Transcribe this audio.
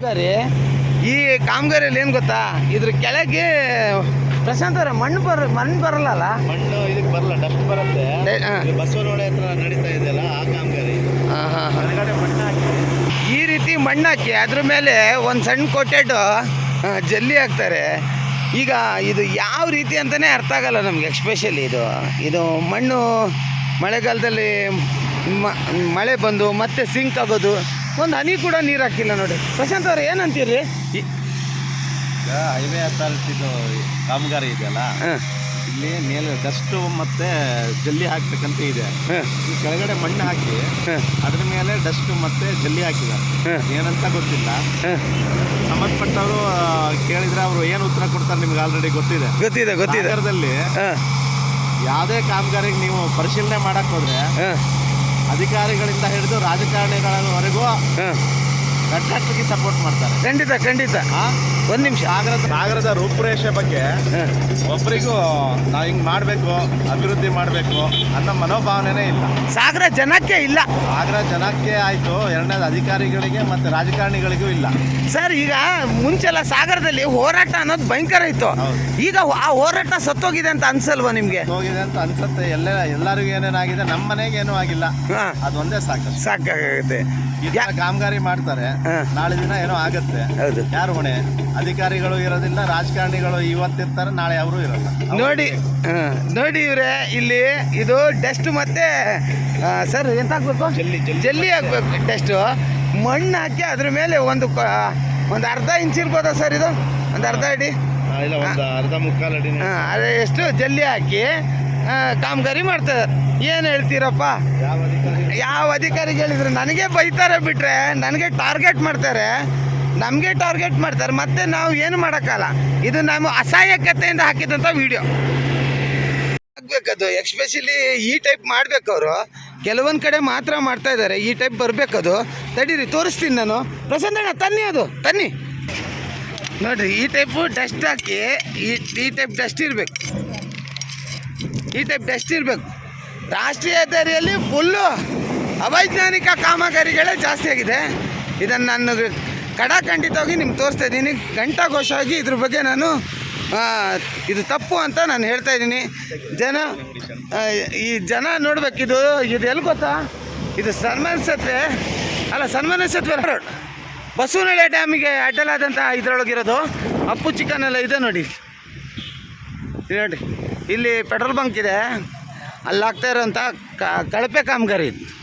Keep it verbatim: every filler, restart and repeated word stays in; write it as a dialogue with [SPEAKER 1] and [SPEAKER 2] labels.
[SPEAKER 1] ಸರಿ, ಈ ಕಾಮಗಾರಿಯಲ್ಲಿ ಏನು ಗೊತ್ತಾ, ಇದ್ರ ಕೆಳಗೆ ಪ್ರಶಾಂತ್ ಅವರ ಮಣ್ಣು ಬರ ಮಣ್ಣು ಬರಲ್ಲ.
[SPEAKER 2] ಮಣ್ಣು ಇದಕ್ಕೆ ಬರಲ್ಲ, ಡಸ್ಟ್ ಬರುತ್ತೆ. ಬಸವನಹೊಳೆ ಹತ್ರ ನಡೀತಾ ಇದೆಯಲ್ಲ ಆ ಕಾಮಗಾರಿ. ಹೊರಗಡೆ ಮಣ್ಣು ಹಾಕಿ
[SPEAKER 1] ಈ ರೀತಿ ಮಣ್ಣು ಹಾಕಿ ಅದ್ರ ಮೇಲೆ ಒಂದು ಸಣ್ಣ ಕೊಟ್ಟೆಟ್ಟು ಜಲ್ಲಿ ಹಾಕ್ತಾರೆ. ಈಗ ಇದು ಯಾವ ರೀತಿ ಅಂತಲೇ ಅರ್ಥ ಆಗಲ್ಲ ನಮಗೆ. ಎಕ್ಸ್ಪೆಷಲಿ ಇದು ಇದು ಮಣ್ಣು ಮಳೆಗಾಲದಲ್ಲಿ ಮಳೆ ಬಂದು ಮತ್ತೆ ಸಿಂಕ್ ಆಗೋದು, ಒಂದು ಹನಿ ಕೂಡ ನೀರು ಹಾಕಿಲ್ಲ ನೋಡಿ. ಪ್ರಶಾಂತ್ ಅವ್ರು ಏನಂತೀರಿ?
[SPEAKER 2] ಹೈವೇ ಅಥಾರಿಟಿದು ಕಾಮಗಾರಿ ಇದೆಯಲ್ಲ, ಇಲ್ಲಿ ಮೇಲೆ ಡಸ್ಟು ಮತ್ತೆ ಜಲ್ಲಿ ಹಾಕ್ಬೇಕಂತ ಇದೆ. ಈ ಕೆಳಗಡೆ ಮಣ್ಣು ಹಾಕಿ ಅದ್ರ ಮೇಲೆ ಡಸ್ಟು ಮತ್ತೆ ಜಲ್ಲಿ ಹಾಕಿದ್ದಾರೆ. ಏನಂತ ಗೊತ್ತಿಲ್ಲ. ಸಂಬಂಧಪಟ್ಟವರು ಕೇಳಿದ್ರೆ ಅವರು ಏನು ಉತ್ತರ ಕೊಡ್ತಾರೆ ನಿಮ್ಗೆ ಆಲ್ರೆಡಿ ಗೊತ್ತಿದೆ
[SPEAKER 1] ಗೊತ್ತಿದೆ ಗೊತ್ತಿದೆ
[SPEAKER 2] ನಗರದಲ್ಲಿ ಯಾವುದೇ ಕಾಮಗಾರಿಗೆ ನೀವು ಪರಿಶೀಲನೆ ಮಾಡಕ್ ಹೋದ್ರೆ ಅಧಿಕಾರಿಗಳಿಂದ ಹಿಡಿದು ರಾಜಕಾರಣಿಗಳವರೆಗೂ ಕಟ್ಟಕ್ಕೆ ಸಪೋರ್ಟ್ ಮಾಡ್ತಾರೆ.
[SPEAKER 1] ಖಂಡಿತ ಖಂಡಿತ. ಒಂದು ನಿಮಿಷ,
[SPEAKER 2] ಸಾಗರದ ಸಾಗರದ ರೂಪುರೇಷೆ ಬಗ್ಗೆ ಒಬ್ಬರಿಗೂ ನಾವು ಹಿಂಗೆ ಮಾಡಬೇಕು, ಅಭಿವೃದ್ಧಿ ಮಾಡಬೇಕು ಅನ್ನೋ ಮನೋಭಾವನೆನೇ ಇಲ್ಲ.
[SPEAKER 1] ಸಾಗರ ಜನಕ್ಕೆ ಇಲ್ಲ.
[SPEAKER 2] ಸಾಗರ ಜನಕ್ಕೆ ಆಯಿತು, ಎರಡನೇದು ಅಧಿಕಾರಿಗಳಿಗೆ ಮತ್ತು ರಾಜಕಾರಣಿಗಳಿಗೂ ಇಲ್ಲ.
[SPEAKER 1] ಸರ್, ಈಗ ಮುಂಚೆಲ್ಲ ಸಾಗರದಲ್ಲಿ ಹೋರಾಟ ಅನ್ನೋದು ಭಯಂಕರ ಇತ್ತು. ಈಗ ಆ ಹೋರಾಟ ಸತ್ತೋಗಿದೆ ಅಂತ ಅನ್ಸಲ್ವಾ ನಿಮಗೆ?
[SPEAKER 2] ಹೋಗಿದೆ ಅಂತ ಅನ್ಸುತ್ತೆ. ಎಲ್ಲ ಎಲ್ಲರಿಗೂ ಏನೇನಾಗಿದೆ, ನಮ್ಮ ಮನೆಗೆ ಏನೂ ಆಗಿಲ್ಲ. ಅದೊಂದೇ ಸಾಕು
[SPEAKER 1] ಸಾಕಾಗುತ್ತೆ.
[SPEAKER 2] ಕಾಮಗಾರಿ ಮಾಡ್ತಾರೆ, ನಾಳೆ ದಿನ ಏನೋ ಆಗತ್ತೆ.
[SPEAKER 1] ಹೌದು.
[SPEAKER 2] ಯಾರು ಹೊಣೆ? ಅಧಿಕಾರಿಗಳು ಇರೋದಿಲ್ಲ, ರಾಜಕಾರಣಿಗಳು ಇವತ್ತಿರ್ತಾರೆ, ನಾಳೆ ಅವರು ಇರಲ್ಲ.
[SPEAKER 1] ನೋಡಿ ನೋಡಿ ಇವ್ರೆ, ಇಲ್ಲಿ ಇದು ಡಸ್ಟ್ ಮತ್ತೆ ಸರ್ ಎಂತ ಹಾಕ್ಬೇಕು?
[SPEAKER 2] ಜಲ್ಲಿ
[SPEAKER 1] ಜಲ್ಲಿ ಹಾಕ್ಬೇಕು. ಡಸ್ಟು ಮಣ್ಣು ಹಾಕಿ ಅದ್ರ ಮೇಲೆ ಒಂದು ಒಂದು ಅರ್ಧ ಇಂಚ್ ಇರ್ಬೋದಾ ಸರ್? ಇದು ಒಂದು ಅರ್ಧ ಅಡಿ,
[SPEAKER 2] ಇಲ್ಲ ಒಂದು ಅರ್ಧ ಮುಕ್ಕಾಲು ಅಡಿ.
[SPEAKER 1] ಹಾಂ, ಅದೇ ಎಷ್ಟು ಜಲ್ಲಿ ಹಾಕಿ ಕಾಮಗಾರಿ ಮಾಡ್ತಾರೆ. ಏನು ಹೇಳ್ತೀರಪ್ಪ? ಯಾವ ಅಧಿಕಾರಿಗೆ ಹೇಳಿದ್ರು ನನಗೆ ಬೈತಾರೆ, ಬಿಟ್ರೆ ನನಗೆ ಟಾರ್ಗೆಟ್ ಮಾಡ್ತಾರೆ, ನಮಗೆ ಟಾರ್ಗೆಟ್ ಮಾಡ್ತಾರೆ. ಮತ್ತೆ ನಾವು ಏನು ಮಾಡೋಕ್ಕಲ್ಲ. ಇದು ನಾವು ಅಸಹಾಯಕತೆಯಿಂದ ಹಾಕಿದಂಥ ವಿಡಿಯೋ ಆಗಬೇಕದು. ಎಕ್ಸ್ಪೆಷಲಿ ಈ ಟೈಪ್ ಮಾಡಬೇಕು. ಅವರು ಕೆಲವೊಂದು ಕಡೆ ಮಾತ್ರ ಮಾಡ್ತಾ ಇದ್ದಾರೆ, ಈ ಟೈಪ್ ಬರಬೇಕದು. ತಡೀರಿ, ತೋರಿಸ್ತೀನಿ ನಾನು. ಪ್ರಸನ್ನಣ್ಣ ತನ್ನಿ, ಅದು ತನ್ನಿ ನೋಡಿರಿ. ಈ ಟೈಪು ಡಸ್ಟ್ ಹಾಕಿ ಈ ಈ ಟೈಪ್ ಡಸ್ಟ್ ಇರಬೇಕು, ಈ ಟೈಪ್ ಡಸ್ಟ್ ಇರಬೇಕು. ರಾಷ್ಟ್ರೀಯ ಹೆದ್ದಾರಿಯಲ್ಲಿ ಫುಲ್ಲು ಅವೈಜ್ಞಾನಿಕ ಕಾಮಗಾರಿಗಳೇ ಜಾಸ್ತಿ ಆಗಿದೆ. ಇದನ್ನು ನಾನು ಕಡಾಖಂಡಿತವಾಗಿ ನಿಮ್ಗೆ ತೋರಿಸ್ತಾ ಇದ್ದೀನಿ. ಘಂಟಾಘೋಷವಾಗಿ ಇದ್ರ ಬಗ್ಗೆ ನಾನು ಇದು ತಪ್ಪು ಅಂತ ನಾನು ಹೇಳ್ತಾ ಇದ್ದೀನಿ. ಜನ ಈ ಜನ ನೋಡ್ಬೇಕಿದು. ಇದು ಎಲ್ಲಿ ಗೊತ್ತಾ? ಇದು ಸನ್ಮಾನ ಸೇತುವೆ ಅಲ್ಲ, ಸನ್ಮಾನ ಸೇತುವೆ ರೋಡ್, ಬಸವನಹೊಳೆ ಡ್ಯಾಮಿಗೆ ಅಡ್ಡಲಾದಂಥ ಇದರೊಳಗಿರೋದು. ಅಪ್ಪು ಚಿಕನ್ ಎಲ್ಲ ಇದೆ ನೋಡಿ. ನೋಡಿ, ಇಲ್ಲಿ ಪೆಟ್ರೋಲ್ ಬಂಕ್ ಇದೆ, ಅಲ್ಲಿ ಆಗ್ತಾ ಇರೋಂಥ ಕಳಪೆ ಕಾಮಗಾರಿ ಇದು.